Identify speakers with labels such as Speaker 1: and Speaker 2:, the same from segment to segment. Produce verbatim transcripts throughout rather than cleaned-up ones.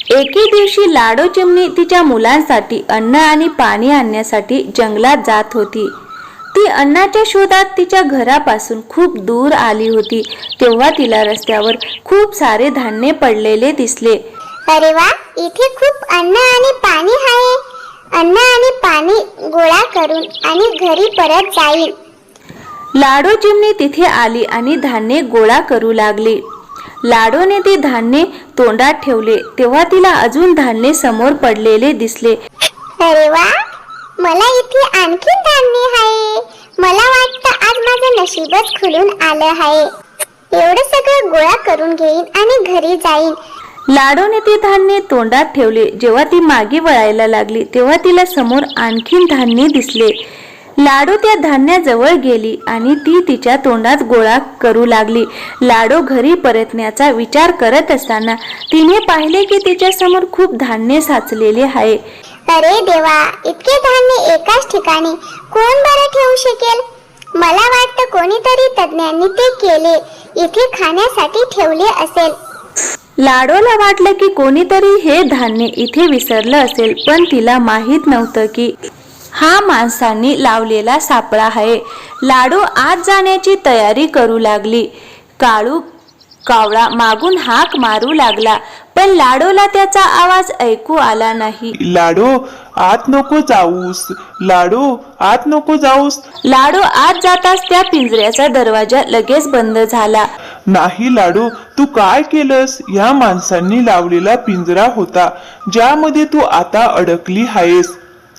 Speaker 1: एके दिवशी लाडो चिमणी तिच्या मुलांसाठी अन्न आणि पाणी आणण्यासाठी जंगलात जात होती. ती अन्नाच्या शोधात तिच्या घरापासून खूप दूर आली होती. तेव्हा तिला रस्त्यावर खूप सारे धान्य पडलेले दिसले.
Speaker 2: अरे वा, इथे खूप अन्न आणि पाणी आहे. अन्न आणि पाणी गोळा करून आणि घरी परत जाईल.
Speaker 1: लाडो चिमणी तिथे आली आणि धान्य गोळा करू लागली. लाडोने ती धान्य तोंडात ठेवले तेव्हा तिला अजून धान्य समोर पडलेले दिसले.
Speaker 2: अरे वा, मला इथे आणखी धान्य आहे. मला वाटतं आज माझं नशीबच खुलून आलं आहे. एवढं सगळं गोळा करून घेईन आणि घरी जाईन.
Speaker 1: लाडोने ते धान्य तोंडात ठेवले. जेव्हा ती मागे वळायला लागली तेव्हा तिला समोर आणखीन धान्य दिसले. लाडो त्या धान्याजवळ गेली आणि ती तिच्या तोंडात गोळा करू लागली. लाडो घरी परतण्याचा विचार करत असताना तिने पाहिले की तिच्या समोर खूप धान्य साचलेले आहे.
Speaker 2: अरे देवा, इतके धान्य एकाच ठिकाणी कोण बरं ठेवू शकेल? मला वाटतं कोणीतरी तज्ञांनी ते केले, इथे खाण्यासाठी ठेवले असेल.
Speaker 1: लाडोला वाटलं की कोणीतरी हे धान्य इथे विसरलं असेल, पण तिला माहित नव्हतं की हा माणसांनी लावलेला सापळा आहे. लाडो आत जाण्याची तयारी करू लागली. काळू कावळा मागून हाक मारू लागला, पण लाडोला त्याचा आवाज ऐकू आला नाही.
Speaker 3: लाडो, आत नको जाऊस. लाडो, आत नको जाऊस.
Speaker 1: लाडो आत जाताच त्या पिंजऱ्याचा दरवाजा लगेच बंद झाला.
Speaker 3: नाही लाडो, तू काय केलंस? या माणसांनी लावलेला पिंजरा होता ज्यामध्ये तू आता अडकली आहेस.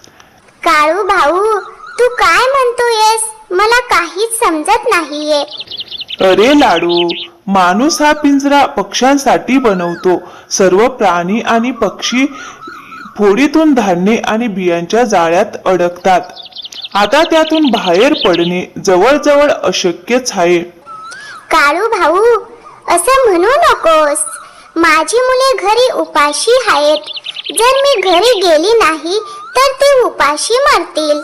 Speaker 2: काळू भाऊ, तू काय म्हणतोयस? मला काहीच समजत नाहीये.
Speaker 3: अरे लाडो, माणूस हा पिंजरा पक्ष्यांसाठी बनवतो. सर्व प्राणी आणि पक्षी फोडीतून धान्य आणि बियांच्या जाळ्यात अडकतात. आता त्यातून बाहेर पडणे जवळजवळ अशक्यच आहे.
Speaker 2: काळू भाऊ, असं म्हणू नकोस. माझी मुले घरी उपाशी आहेत. जर मी घरी गेली नाही तर ते उपाशी मरतील.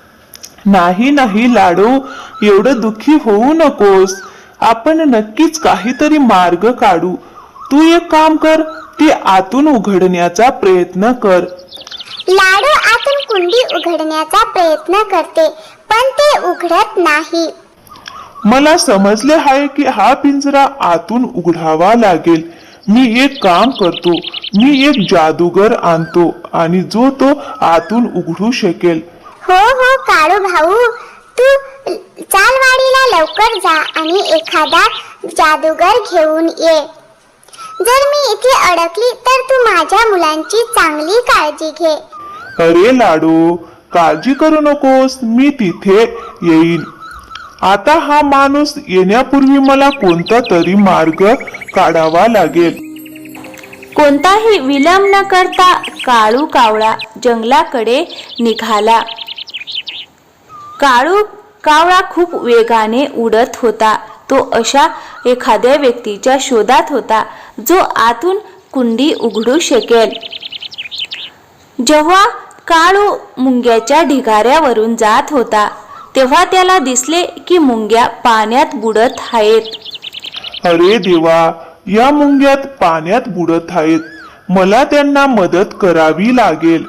Speaker 3: नाही नाही लाडो, एवढं दुःखी होऊ नकोस. आपण नक्कीच काहीतरी मार्ग काढू. तू एक काम कर, ते आतून उघडण्याचा प्रयत्न कर.
Speaker 2: लाडू आतून कुंडी उघडण्याचा प्रयत्न करते, पण ते उघडत नाही.
Speaker 3: मला समजले आहे की हा पिंजरा आतून उघडावा लागेल. मी एक काम करतो, मी एक जादूगर आणतो आणि जो तो आतून उघडू शकेल.
Speaker 2: हो हो काळू भाऊ, तू चालवाडीला लवकर जा आणि एखादा जादूगर घेऊन ये. जर मी इथे अडकली तर तू माझ्या मुलांची चांगली काळजी घे.
Speaker 3: अरे लाडो, काळजी करू नकोस, मी तिथे येईन. आता हा माणूस येण्यापूर्वी मला कोणता तरी मार्ग काढावा लागेल.
Speaker 1: कोणताही विलंब न करता काळू कावळा जंगलाकडे निघाला. काळू कावळा खूप वेगाने उडत होता. तो अशा एखाद्या व्यक्तीच्या शोधात होता जो आतून कुंडी उघडू शकेल. जेव्हा काळू मुंग्याच्या ढिगाऱ्यावरून जात होता तेव्हा त्याला दिसले की मुंग्या पाण्यात बुडत आहेत.
Speaker 3: अरे देवा, या मुंग्यात पाण्यात बुडत आहेत. मला त्यांना मदत करावी लागेल.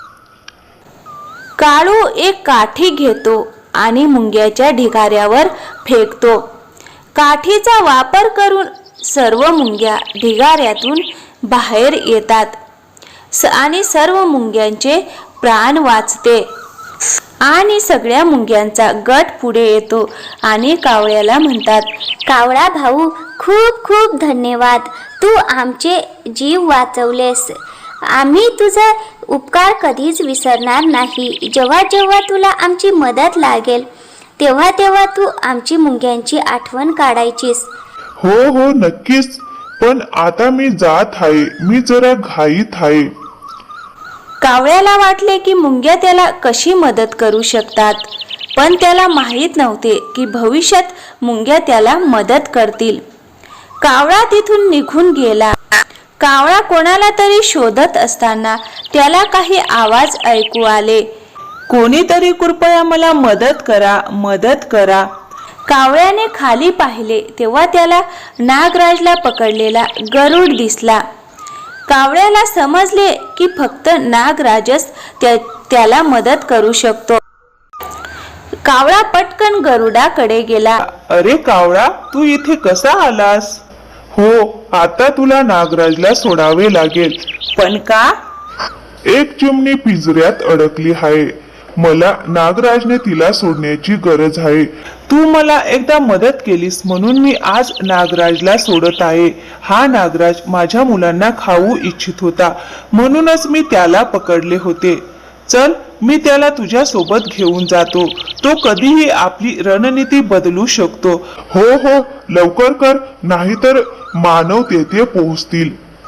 Speaker 1: काळू एक काठी घेतो आणि मुंग्याच्या ढिगाऱ्यावर फेकतो. काठीचा वापर करून सर्व मुंग्या ढिगाऱ्यातून बाहेर येतात आणि सर्व मुंग्यांचे प्राण वाचते. आणि सगळ्या मुंग्यांचा गट पुढे येतो आणि कावळ्याला म्हणतात,
Speaker 2: कावळा भाऊ, खूप खूप धन्यवाद. तू आमचे जीव वाचवलेस. आम्ही तुझा उपकार कधीच विसरणार नाही. जेव्हा जेव्हा तुला आमची मदत लागेल तेव्हा तेव्हा तू आमची मुंग्यांची आठवण काढायचीस.
Speaker 3: हो हो नक्कीच, पण आता मी जात आहे. मी जरा घाईत आहे.
Speaker 1: कावळ्याला वाटले की मुंग्या त्याला कशी मदत करू शकतात, पण त्याला माहीत नव्हते की भविष्यात मुंग्या त्याला मदत करतील. कावळा तिथून निघून गेला. कावळा कोणाला तरी शोधत असताना त्याला काही आवाज ऐकू आले. कोणीतरी कृपया मला मदत करा, मदत करा. कावळ्याने खाली पाहिले तेव्हा त्याला नागराजला पकडलेला गरुड दिसला. कावळ्याला समजले की फक्त नागराजच त्या, त्याला मदत करू शकतो. कावळा पटकन गरुडाकडे गेला.
Speaker 3: अरे कावळा, तू इथे कसा आलास? हो, आता तुला नागराजला सोडावे लागेल.
Speaker 1: पण का?
Speaker 3: एक चिमणी पिंजऱ्यात अडकली आहे. मला नागराजने तिला सोडण्याची गरज आहे. तू मला एकदा मदत केलीस म्हणून मी आज नागराजला सोडत आहे. हा नागराज माझ्या मुलांना खाऊ इच्छित होता, म्हणूनच मी त्याला पकडले होते. चल, मी त्याला तुझ्या सोबत घेऊन जातो. तो कधीही आपली रणनीती बदलू शकतो. हो हो, लवकर कर, नाहीतर मानव तेथे पोहोचतील.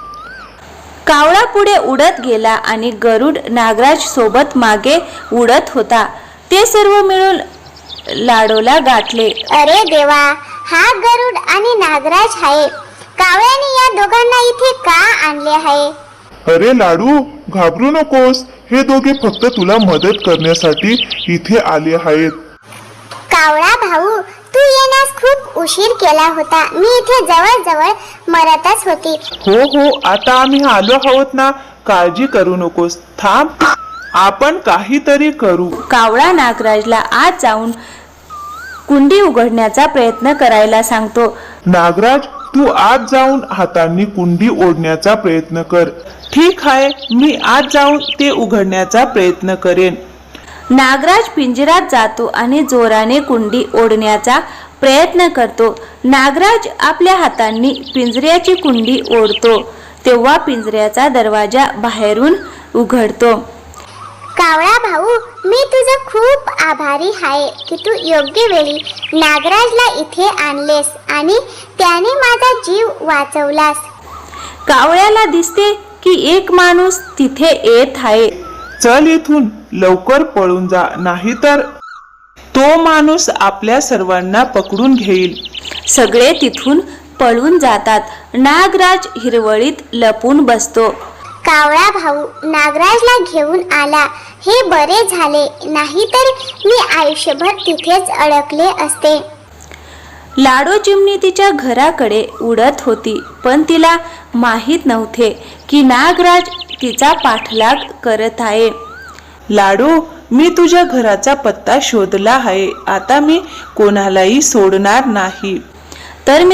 Speaker 1: कावळा पुढे उडत गेला आणि गरुड नागराज सोबत मागे उडत होता. ते सर्व मिळून लाडोला गाठले.
Speaker 2: अरे देवा, हा गरुड आणि नागराज आहे. कावळ्याने या दोघांना इथे का आणले आहे?
Speaker 3: अरे लाडू, घाबरू नकोस. हे दोघे फक्त तुला मदत करण्यासाठी इथे आले आहेत.
Speaker 2: कावळा भाऊ, तू येण्यास खूप उशीर केला होता. मी इथे जवळ जवळ मरतच होती.
Speaker 3: हो हो, आता आम्ही आलो आहोत ना. काळजी करू नकोस. थांब, आपण काहीतरी करू.
Speaker 1: कावळा नागराजला आत जाऊन कुंडी उघडण्याचा प्रयत्न करायला सांगतो.
Speaker 3: नागराज, तू आत जाऊन हातांनी कुंडी ओढण्याचा प्रयत्न कर. ठीक आहे, मी आत जाऊन ते उघडण्याचा प्रयत्न करेन.
Speaker 1: नागराज पिंजऱ्यात जातो आणि जोराने कुंडी ओढण्याचा प्रयत्न करतो. नागराज आपल्या हातांनी पिंजऱ्याची कुंडी ओढतो तेव्हा पिंजऱ्याचा दरवाजा बाहेरून उघडतो.
Speaker 2: कावळा भाऊ, मी तुझं खूप आभारी आहे की तू योग्य वेळी नागराजला इथे आणलेस आणि त्याने माझा जीव वाचवलास.
Speaker 1: कावळ्याला दिसते की एक माणूस तिथे येत आहे.
Speaker 3: चल, इथून लवकर पळून जा, नाहीतर तो माणूस आपल्या सर्वांना पकडून घेईल.
Speaker 1: सगळे तिथून पळून जातात. नागराज हिरवळीत लपून बसतो.
Speaker 2: कावळा भाऊ नागराजला घेऊन आला, हे बरे झाले, नाहीतर मी आयुष्यभर तिथेच अडकले असते.
Speaker 1: लाडो चिमणी तिच्या घराकडे उडत होती, पण तिला माहीत नव्हते की नागराज तिचा पाठलाग करत आहे. लाडो, मी तुझ्या घराचा पत्ता शोधला आहे. आता मी कोणालाही सोडणार नाही. तर मी